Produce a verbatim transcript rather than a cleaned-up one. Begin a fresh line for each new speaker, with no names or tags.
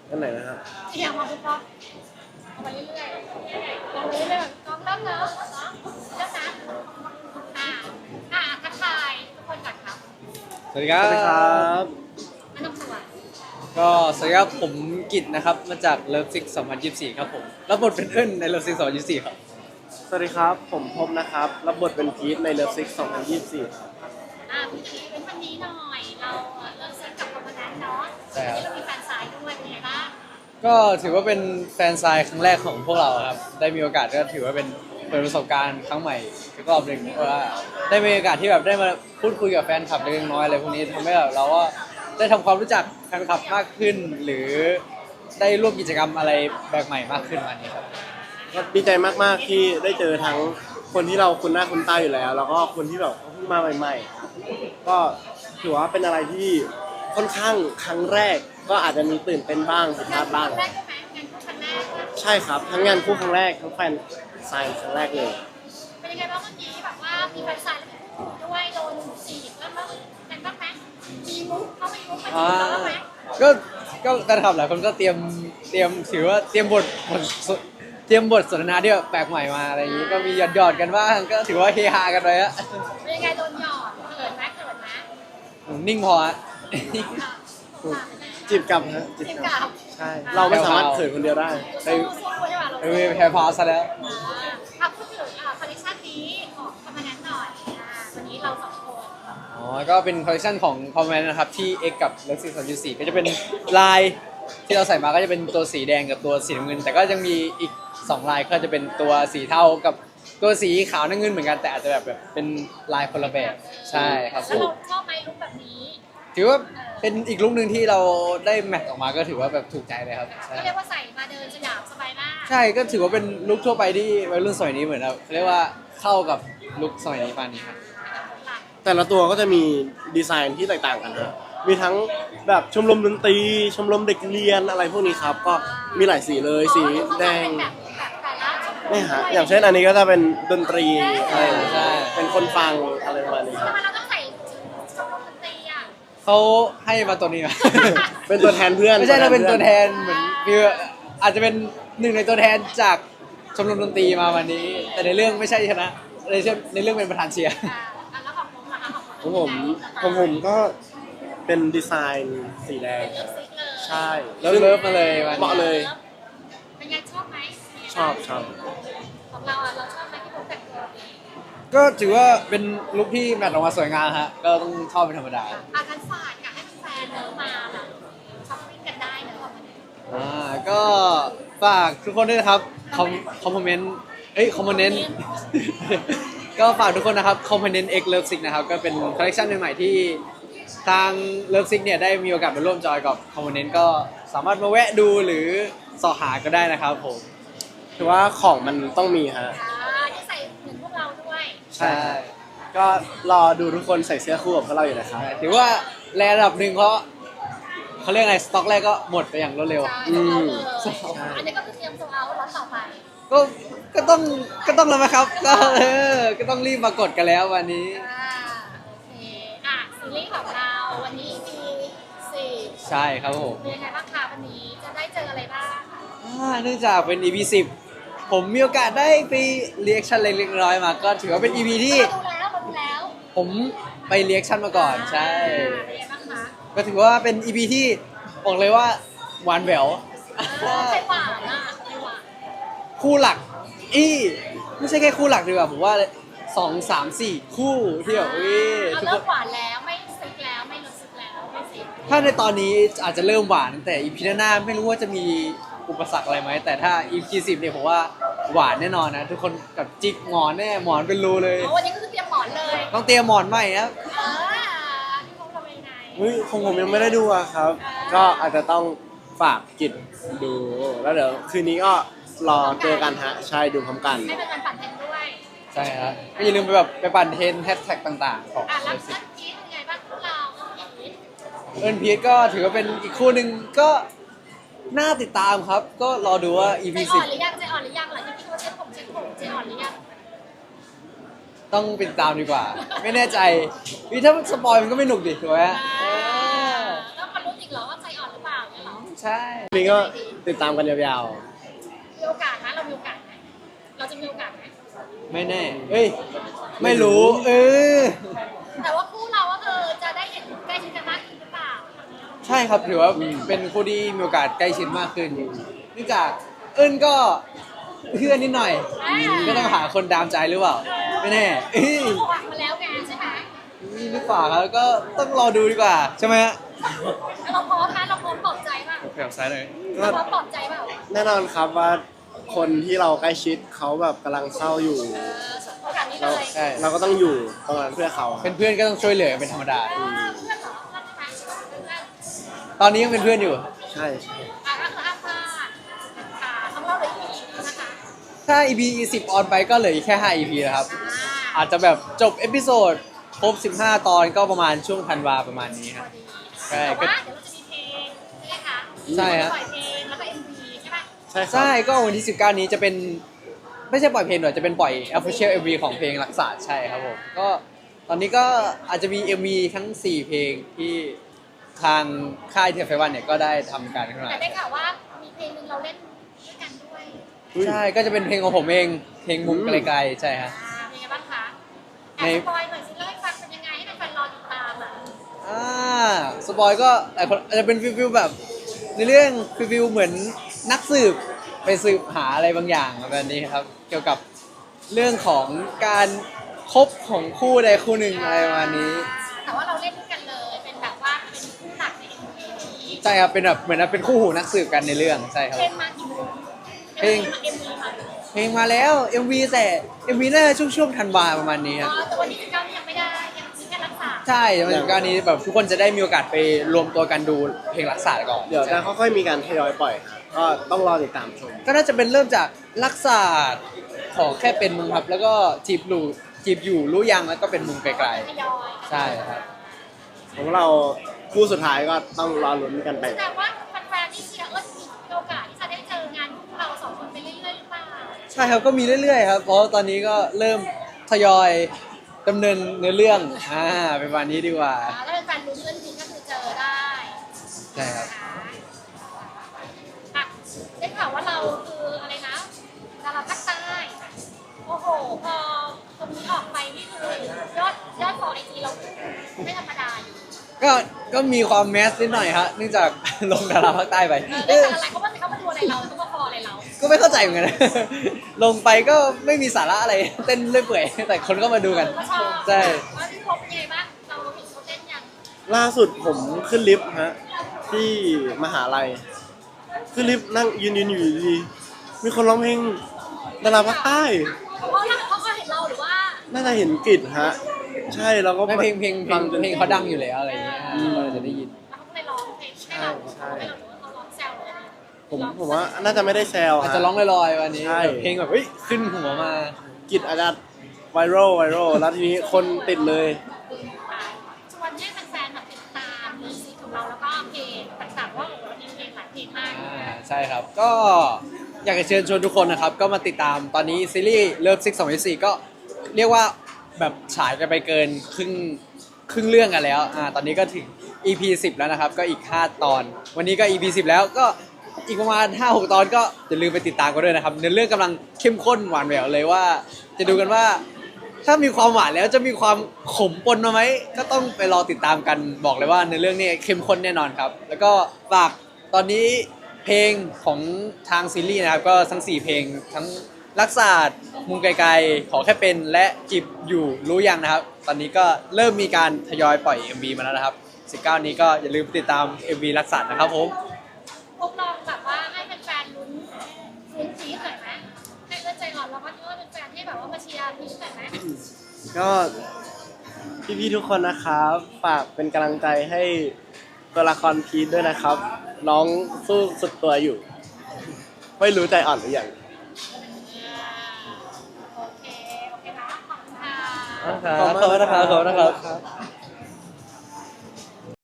อันไหนนะฮะ
เอียงมาปุ๊บก็เอาไปเรื่อยๆลองไปเรื่อยๆกองเริ่มเนอะเนาะเริ่มนะอ่าอ่าทักทายทุกคนก่อนครับ
สวัสดีครั
สวัสดีครับ บ
แนะนำตัว
ก็สวัสดีครับผมกิตนะครับมาจากเลิฟซิกสองพันยี่สิบสี่ครับผมรับบทเป็นเอิ้นในเลิฟซิกสองพันยี่สิบสี่ครับ
สวัสดีครับผมพบนะครับรับบทเป็นพีทในเลิฟซิกสองพันยี่สิบสี่ครับ
อ่าพี่ทีเป็นวันนี้หน่อยเราเริ่มเซ็นกับคอมมานด์เนาะ
ใช่ครับ
วันนี้เรามีแฟนสายด้วยเป็นไงบ้าง
ก็ถือว่าเป็นแฟนซายครั้งแรกของพวกเราครับได้มีโอกาสก็ถือว่าเป็นเปิดประสบการณ์ครั้งใหม่อีกรอบหนึ่งเพราะว่าได้มีโอกาสที่แบบได้มาพูดคุยกับแฟนคลับเล็กน้อยอะไรพวกนี้ทำให้แบบเราก็ได้ทำความรู้จักแฟนคลับมากขึ้น หรือได้ร่วมกิจกรรมอะไรแปลกใหม่มากขึ้นวันนี้ครับ
ก็ดีใจมากๆที่ได้เจอทั้งคนที่เราคุ้นหน้าคุ้นตาอยู่แล้ว แล้วก็คนที่แบบเพิ่งมาใหม่ๆก็ถือว่าเป็นอะไรที่ค่อนข้างครั้งแรก ก็อาจจะมีตื่นเต้นบ้างผิดพลาดบ้าง
ครั้งแรกใช่ไหมงานคู่ครั้งแรก
ใช่ครับทั้งงานคู่ครั้งแรกทั้งแฟนไซน์ครั้งแรกเลย
เป็นยังไงบ้างเมื่อกี้แบบว่ามีแฟนสายแล้วมีคู่ด้วยโดนจีบแล้วมั้งเป็นบ้างไหมมีมุกเข้าไปมุกไปจี
อ่า
บเราบ้างไหม
ก็ก็แฟนคลับหลายคนก็เตรียมเตรียมถือว่าเตรียมบทบทสเตรียมบทสนทนาที่แบบแปลกใหม่มาอะไรอย่างนี้ก็มีหยอดหยอดๆกันบ้างก็ถือว่าเฮฮากันไปอะ
เป็นยังไงโดนหยอดเขินไหมเขินไหม
นิ่งพอฮะ
จีบกลับฮะจีบ
จิบ
กลั
กั
บบ ใช่เราไม่สามารถเขินคนเดียวได้
สู้สู้ใช่ป่ะเรา
เออแพ้พาซะแล้ว
อ่าพูดถึงอ่าคอลเลคชันนี้ของคอมมานด์หน่อยอ่าวันนี้เราสองคน
อ๋อก็เป็นคอลเลคชันของคอมเมนต์นะครับที่ X กับ l e x i สองจุดสี่ก็จะเป็นลายที่เราใส่มาก็จะเป็นตัวสีแดงกับตัวสีน้ำเงิน แต่ก็ยังมีอีกสองลายก็จะเป็นตัวสีเทากับตัวสีขาวน้ำเงินเหมือนกันแต่อาจจะแบบแบบเป็นลายคนละแบบใช่ครับ
แล้วเราชอบไหมลุคแบบนี้
ถือว่าเป็นอีกลุคหนึ่งที่เราได้แมทออกมาก็ถือว่าแบบถูกใจเลยครับใช่
ก็เรียกว่าใส่มาเดินสยามสบายมาก
ใช่ก็ถือว่าเป็นลุคทั่วไปที่วัยรุ่นสมัยนี้เหมือนแบบเรียกว่าเข้ากับลุคสมัยนี้ปานนี้ครับ
แต่ละตัวก็จะมีดีไซน์ที่แตกต่างกันนะมีทั้งแบบชมรมดนตรี ชมรมเด็กเรียนอะไรพวกนี้ครับ ก็มีหลายสีเลย สีแดง
แบบแบบแต่ละชมรม
นี่ฮะ อย่างเช่นอันนี้ก็จะเป็นดนตรีอะไร
ใช่
เป็นคนฟังอะไรประมาณนี้ค
ทำ
รับ
ไมเราต้องใส่ชมรมดนตรีอ่ะ
เขาให้มาตัวนี้มา
เป็นตัวแทนเพื่อน
ไม่ใช่เราเป็นตัวแทนเหมือนคืออาจจะเป็นหนึ่งในตัวแทนจากชมรมดนตรีมาวันนี้ แต่ในเรื่องไม่ใช่ชนะในเรื่องในเรื่องเป็นประธานเชียร์
อ่าแล้วของผมนะคะของ
ของผมของผมก็เป็นดีไซน์สีแดงครับ
ซิกเลย
ใช่
เลิฟเลิฟมาเลยวัน
เหมาะ
นี้
เลย
เป็นไงชอบไหม
ชอบชอบ
ของเราอ่ะเราชอบไหมที่ผมแต่งตัวนี้
ก็ถือว่าเป็นลุคที่แมทออกมาสวยงามฮะก็ต้องชอบเป็นธรรมดา
อาการฝากอยากให้แฟนๆเนอะมาแบบช้อปปิ้งกันได้เนอะของมัน
อ่าก็ฝากทุกคนด้วยนะครับคอมคอมเมนต์เอ้ยคอมเมนต์ ก็ฝากทุกคนนะครับคอมเมนต์ X Love Sick นะครับก็เป็นคอลเลคชันใหม่ๆที่ทาง Love Sick เนี่ยได้มีโอกาสมาร่วมจอยกับคอมเมนต์ก็สามารถมาแวะดูหรือสอหาก็ได้นะครับผม
ถือว่าของมันต้องมีฮะ
อ่าที่ใส่เหมือนพวกเราด้วย
ใช่
ก็รอดูทุกคนใส่เสื้อคู่กับพวกเราอยู่นะครับ
ถือว่าแลระดับหนึ่งเพราะเขาเรียกไงสต็อกแรกก็หมดไปอย่างรวดเร็ว
ใช่
อืม
ใช่อันนี้ก็คือเตรียมโซลเอาท์ล็อตต่อไป
ก็ก็ต้องก็ต้องแล้วไหมครับ ก็เออก็ต้องรีบมากดกันแล้ววันนี้
อ่าโอเคอ่ะซีรีส์ของเราวันนี้ อี พี สี่
ใช่ครับผม
เป็นยังไงบ้างคะวันนี้จะได้เจออะไรบ้าง
อ่าเนื่องจากเป็น อี พี สิบผมมีโอกาสได้ไปเรียกชันเล็กๆน้อยๆมา ก็ถือว่าเป็น อี พี ที่
เราดูแล้วเราดูแล้ว
ผมไปเรียกชันมาก่อนใช่
อ่าเป็นยังไงบ้างคะ
ก็ถือว่าเป็น อี พี ที่บอกเลยว่าหวานแหวว
เออใครหวานอ่ะใครหวาน
คู่หลักอีไม่ใช่แค่คู่หลักดีกว่าผมว่าสองสามสี่คู่ที่แบบเอ้ย
เอา
ทุก
เริ่
ค
ม
น
หวานแล้วไม่ซิกแล้วไม่รู้สึกแล้วไม่ซิก
ถ้าในตอนนี้อาจจะเริ่มหวานแต่ อี พี หน้าๆไม่รู้ว่าจะมีอุปสรรคอะไรไหมแต่ถ้า อี พี สิบเนี่ยผมว่าหวานแน่นอนนะทุกคนกับจิกหมอนแน่หมอนเป็นรูเลย
อ๋อวันนี้ก็คือเตรียมหมอนเลย
ต้องเตรียมหมอนใหม่ครับ
เออที่เขาทำยังไง
เฮ้ยคงผมยังไม่ได้ดูอะครับ ก็อาจจะต้องฝากกิจดู แล้วเดี๋ยวคืนนี้ก็รอเจอกันฮะ ใช่ดูพร้อมกัน
ให้เป็นการปั่นเทรนด้วย
ใช่ครับก็อย่าลืมไปแบบไปปั่นเทรนแฮชแท็กต่างๆของ
อ่ะแล้ว
เลสิ
เพื่อนพีทเป็นไงบ้างพวกเราพีท
เอิร์นพีทก็ถือว่าเป็นอีกคู่หนึ่งก็น่าติดตามครับ ก็รอดูว่า อี
ใจ
พี
อ่
สิ
อบ นหรือยังใจอ่อนหรือยังหลังจากที่เขาเช็ดผมเช็ดผมใจอ่อนหรือยัง
ต้องติดตามดีกว่า ไม่แน่ใจวิถ้าสปอยมันก็ไม่หนุกดิถูกไหม
อ่า
เออ
แล้วมาลุ้นอีกเหรอว่าใจอ่อนหรือเปล่าเนี่ยเหรอ
ใช่
นี่ก็ติดตามกันยาว
มีโอกาสนะเรามีโอกาสไหมเราจะมีโอกาสไหม
ไม่แน่เอ้ยไม่รู้เออ
แต่ว่าคู่เราก็คือจะได้เห็นใกล้ชิดกันมากขึ้นหรือเปล่า
ใช่ครับถือว่าเป็นคู่ที่มีโอกาสใกล้ชิดมากขึ้นเนื่องจากเอิ้นก็เพื่อนนิดหน่อยก็ต้องหาคนดามใจหรือเปล่าไม่แน่เอ้ย
เขาหวังมาแล้วไงใช่ไหม
นี่หรือเปล่าครับก็ต้องรอดูดีกว่าใช่ไหมฮะ
แล้วเราพร้อมนะเราพร้อมปลอบใจป่ะ
แบบซ้ายเลย
ๆก็
เราพร้อมปลอบใจเปล่า
แน่นอนครับว่าคนที่เราใกล้ชิดเขาแบบกำลังเศร้าอยู่
เออโอกาสนี้เล
เรา
ย
ใช่
เราก็ต้องอยู่ตรงนั้นเพื่อเขา
เป็นเพื่อนก็ต้องช่วยเหลือเป็นธรรมดา
เออเพื่อนเหรอเพื่อนใช่ไหมเพื่อน
ตอนนี้ยังเป็นเพื่อนอยู่
ใช่ใช่
อ่ะก็คืออ้าพาดค่ะของเราเลยอีกนะคะ
ถ้า อี พี สิบออนไปก็เหลืออีกแค่ห้า อี พี แล้วครับ
อ่า
อาจจะแบบจบเอพิโซดครบสิบห้าตอนก็ประมาณช่วงธันวาประมาณนี้ครับ ใช่
แต่
ก็
ว่าเดี๋ยวเราจะมีเพลงใช่ไหมคะ
ใช่ฮะ
ปล่อยเพลงแล้วก็ เอ็ม วี ใช่ไหม
ใช่ครับ
ใช่ก็วันที่สิบเก้านี้จะเป็นไม่ใช่ปล่อยเพลงหรอกจะเป็นปล่อย Official เอ็ม วี ของเพลงรักษาใช่ครับผมก็ตอนนี้ก็อาจจะมี เอ็ม วี ทั้งสี่เพลงที่ทางค่ายเทียร์ไฟวันเนี่ยก็ได้ทำการขึ้นมา
แต่ได้ข่าวว่ามีเพลงหนึงเราเล่นด้วยกันด้วย
อุ๊ย
ใช่ก็จะเป็นเพลงของผมเองเพลงมุมไกลๆใช่ฮะ
อ่าเป็นไงบ้างคะแอ
ใน
บสปอยหน่อยสิเล่าให้ฟังเป็นยังไงให้แฟนๆรอติดตามอ่ะ
อ่าสปอยก็หลายคนอาจจะเป็นฟิลฟิลแบบในเรื่องฟิลฟิลเหมือนนักสืบไปสืบหาอะไรบางอย่างแบบนี้ครับ เกี่ยวกับเรื่องของการคบของคู่ใดคู่หนึ่งอะไรประมาณนี้
แต่ว่าเราเล่นด้วยกันเลยเป็นแบบว่าเป็นคู่หลักใน เอ็ม วี นี้
ใช่ครับเป็นแบบเหมือนเป็นคู่หูนักสืบกันในเรื่องใช่ครับ
เพลงมากี่โมง
เพลง
เอ็ม วี มา
เพลงมาแล้ว เอ็ม วี แต่ เอ็ม วี น่าจะช่วงช่วงธันวาประมาณนี้ค
อ๋
รับ
อแต่วันที่สิบเก้านี่ยังไม่ได้ยังมีแค่รักษา
ใช่ในวันการนี้แบบทุกคนจะได้มีโอกาสไปรวมตัวกันดูเพลงรักษาก่อน
เดี๋ยวจะค่อยๆมีการทยอยปล่อยครับก็ต้องรอติดตามชม
ก็น่าจะเป็นเริ่มจากรักษาของแค่เป็นมุมครับ แล้วก็จีบรู้จีบอยู่รู้ยังแล้วก็เป็นมุมไกล
ทยอย
ๆใช่ครับ
ของเราคู่สุดท้ายก็ต้องรอลุ้นกันไป
แสดงว่าแฟนๆที่เชียร์เอิร์ธมีโอกาสที่จะได้เจองานของเราสองคนไปเรื่อยๆหรือเปล่า
ใช่ครับก็มีเรื่อยๆครับเพราะตอนนี้ก็เริ่มทยอยดำเนินเนื้อเรื่องอ่าเป็นวันนี้ดีกว่า
อ่าถ้าเป็นแฟนลุ้นเรื่องจริงก็คือเจอได้
ใช่ครับ
อ่ะได้ข่าวว่าเราคืออะไรนะดาราภาคใต้โอ้โหพอตรงนี้ออกไปนี่คือยอดยอดฟอลไอจีเราไม่ธรรมดาอยู่
ก็ก็มีความแมสนิดหน่อยฮะเนื่องจาก ลงดาราภาคใต้ไป
เออได้แต่อะไรเขาว่าเขามาดูอะไรเราเขามาฟอลอะไรเรา
ก็ไม่เข้าใจเหมือนกัน นะ ลงไปก็ไม่มีสาระอะไร เต้นเรื่อยเปื่อยแต่คนก็มาดูกัน
ก็ชอบ
ใช่
ว่าพี่พบเป็นไงบ้างเราเห็นเขาเต้นยัง
ล่าสุดผมขึ้นลิฟต์ฮะที่มหาลัยขึ้นลิฟต์นั่งยืนยืนอยู่ดีๆมีคนร้องเพลงดาราภาคใต้
เพราะว่าเขาก็เห็นเราหรือว่า
น่าจะเห็นกลิ่นฮะ ใช่แล้วก็
ไม่เพลงเพลงเพล
ฟั
ง
จน
เพลงเขาดังอยู่แล้วอะไรอย่างเงี้ย
อืม
เราจะได้ยิน
แล้วเขาก็เลยร้องเพลงให้เราให้เรารู้ว่าเขาร้องแซวเลย
ผมผมว่าน่าจะไม่ได้แซว
อาจ
ฮะ
จะร้องลอยๆวันนี้
ใช่
แบบเพลงแบบเฮ้ยขึ้นหัวมา
กลิ่นอาจจะไวรัลไวรัลแล้วทีนี้คนติดเลย
ชวนให้แฟนๆแบบติดตามเรื่องซีของเราแล้วก็เพลงต่างๆว่าโอ้โหเรามีเพลงหลายเพลงมาก
อ่าใช่ครับ ก็อยากจะเชิญชวนทุกคนนะครับ ก็มาติดตามตอนนี้ซีรีส์เลิฟซิกสองพันสี่ก็เรียกว่าแบบฉายกันไปเกินครึ่งครึ่งเรื่องกันแล้วอ่าตอนนี้ก็ถึง อี พี สิบแล้วนะครับ ก็อีกห้าตอน วันนี้ก็ อี พี สิบแล้วก็อีกประมาณ ห้าหก ตอนก็อย่าลืมไปติดตามกันด้วยนะครับเนื้อเรื่องกำลังเข้มข้นหวานแหววเลยว่า จะดูกันว่า ถ้ามีความหวานแล้วจะมีความขมปนมาไหมก็ต้องไปรอติดตามกันบอกเลยว่าในเรื่องนี้เข้มข้นแน่นอนครับ แล้วก็ฝากตอนนี้เพลงของทางซีรีส์นะครับก็ทั้งสี่เพลงทั้งรักษามุมไกลๆขอแค่เป็นและจิบอยู่รู้ยังนะครับ ตอนนี้ก็เริ่มมีการทยอยปล่อย เอ็ม วี มาแล้วนะครับสิบเก้านี้ก็อย่าลืมติดตาม เอ็ม วี รักษานะครับผม
พวกลองแบบว่าให้แฟนๆลุ้นลุ้นซีหน่อยไหมให้เลือดใจอ่อนแล้วก็เลือดเป็นแฟนที่แบบว่ามาเชียร์พีชหน่อยไหม
ก็พี่ๆทุกคนนะครับฝากเป็นกำลังใจให้ตัวละครพีทด้วยนะครับ น้องสู้สุดตัวอยู่ ไม่รู้ใจอ่อนหรือยัง
โอเค โอเคนะขอบคุณค่ะ
ขอบคุณนะครับขอบคุณนะครับ